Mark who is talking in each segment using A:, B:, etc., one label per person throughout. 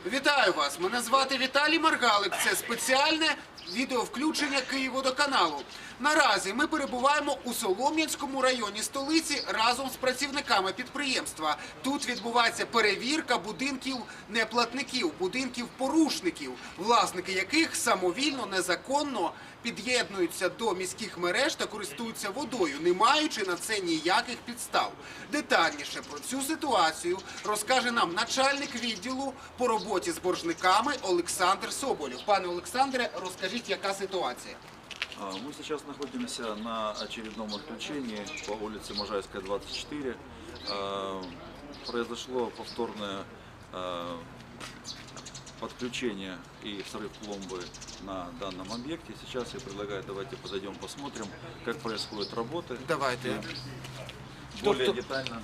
A: Вітаю вас! Мене звати Віталій Маргалик. Це спеціальне відеовключення Київводоканалу. Наразі ми перебуваємо у Солом'янському районі столиці разом з працівниками підприємства. Тут відбувається перевірка будинків неплатників, будинків порушників, власники яких самовільно, незаконно під'єднуються до міських мереж та користуються водою, не маючи на це ніяких підстав. Детальніше про цю ситуацію розкаже нам начальник відділу по роботі з боржниками Олександр Соболєв. Пане Олександре, розкажіть, яка ситуація?
B: Мы сейчас находимся на очередном отключении по улице Можайская, 24. Произошло повторное подключение и срыв пломбы на данном объекте. Сейчас я предлагаю, давайте подойдем, посмотрим, как происходят работы.
A: Давайте.
B: Более детально.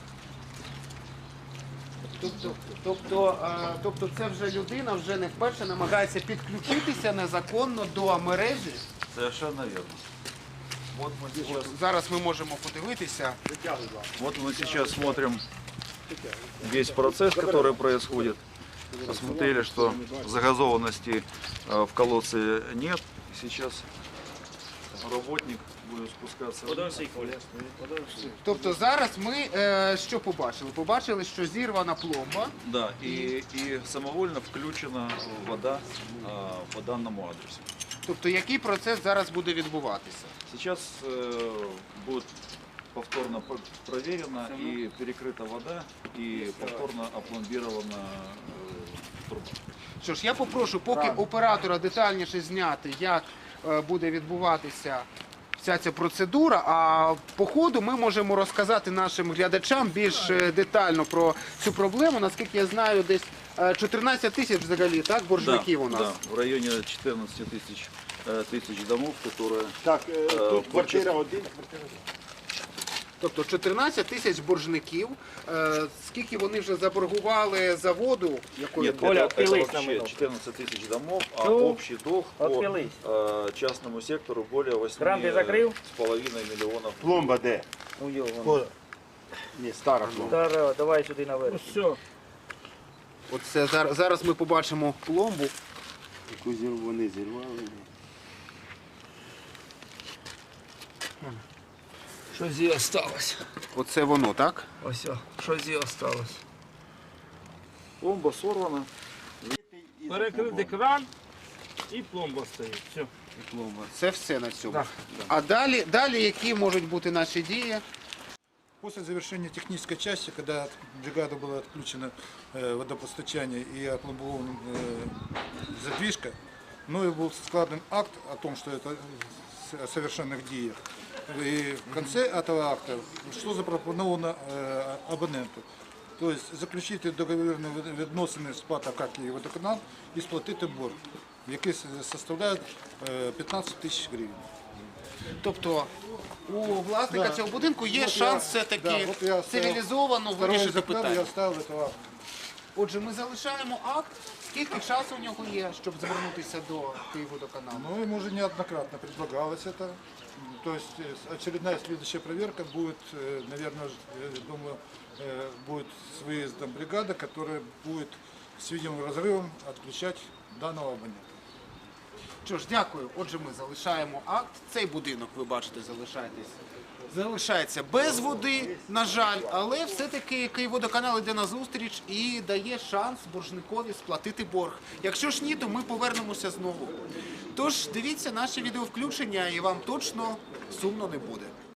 A: Тобто це вже людина вже не вперше намагається підключитися незаконно до мережі?
B: Совершенно верно. Вот мы сейчас,
A: Зараз ми можемо подивитися.
B: мы сейчас смотрим весь процесс, который происходит. Посмотрели, что загазованности в колодце нет. Сейчас работник будет спускаться.
A: Тобто зараз ми що побачили? Побачили, що зірвана пломба.
B: Да, и самовольно включена вода по данному адресу.
A: Тобто який процес зараз буде відбуватися?
B: Сейчас будет повторно проверена и перекрыта вода, и повторно опломбирована труба.
A: Що ж, я попрошу поки оператора детальніше зняти, як буде відбуватися вся ця процедура, а по ходу ми можемо розказати нашим глядачам більш детально про цю проблему. Наскільки я знаю, десь 14 тисяч взагалі, так, боржників у нас?
B: Да, в районе 14 тысяч домов, которые...
C: Так, тут квартира 1.
A: Тобто 14 тисяч боржників. Скільки вони вже заборгували за воду? Якою
B: Нет,
C: Оля,
B: это
C: отпились
B: вообще
C: на минуту.
B: 14 тысяч домов, а
C: Ну,
B: общий долг по
C: отпились.
B: частному сектору более
C: Кран ты закрыл?
B: 8,5 миллионов.
C: Пломба де?
D: Ну, його.
C: Ні, стара пломба.
D: Зараз, давай сюди наверх.
C: Все.
A: Оце зараз ми побачимо пломбу.
C: Яку вони зірвали.
D: Що зі осталось?
A: Оце воно, так?
D: Ось, що зі осталось.
B: Пломба сорвана.
E: Перекрити кран і пломба стоїть. Все.
A: Це все на цьому.
E: Так.
A: А далі які можуть бути наші дії?
F: После завершения технической части, когда бригада была отключена водопостачание и опломбована задвижка, мною был складен акт о том, что это о совершенных деях. И в конце этого акта что запропоновано абоненту? То есть заключити договірні відносини з ПАТ АК «Київводоканал» і сплатити борг, який составляє 15 тисяч гривень.
A: Тобто у власника
F: Да.
A: цього будинку є
F: Вот
A: шанс
F: я-
A: все-таки
F: да, вот я
A: цивілізовано
F: Второе
A: вирішити
F: закрыл, я
A: питання.
F: оставил этого акта.
A: Отже, ми залишаємо акт. Скільки часу у нього є, щоб звернутися до Київводоканалу?
F: Ну, ему уже неоднократно предлагалось это. То есть очередная следующая проверка будет, наверное, думаю, будет с выездом бригады, которая будет с видимым разрывом отключать данного абонента.
A: Що ж, дякую. Отже, ми залишаємо акт. Цей будинок, ви бачите, залишається без води, на жаль, але все-таки Київводоканал йде на зустріч і дає шанс боржникові сплатити борг. Якщо ж ні, то ми повернемося знову. Тож дивіться наші відеовключення і вам точно сумно не буде.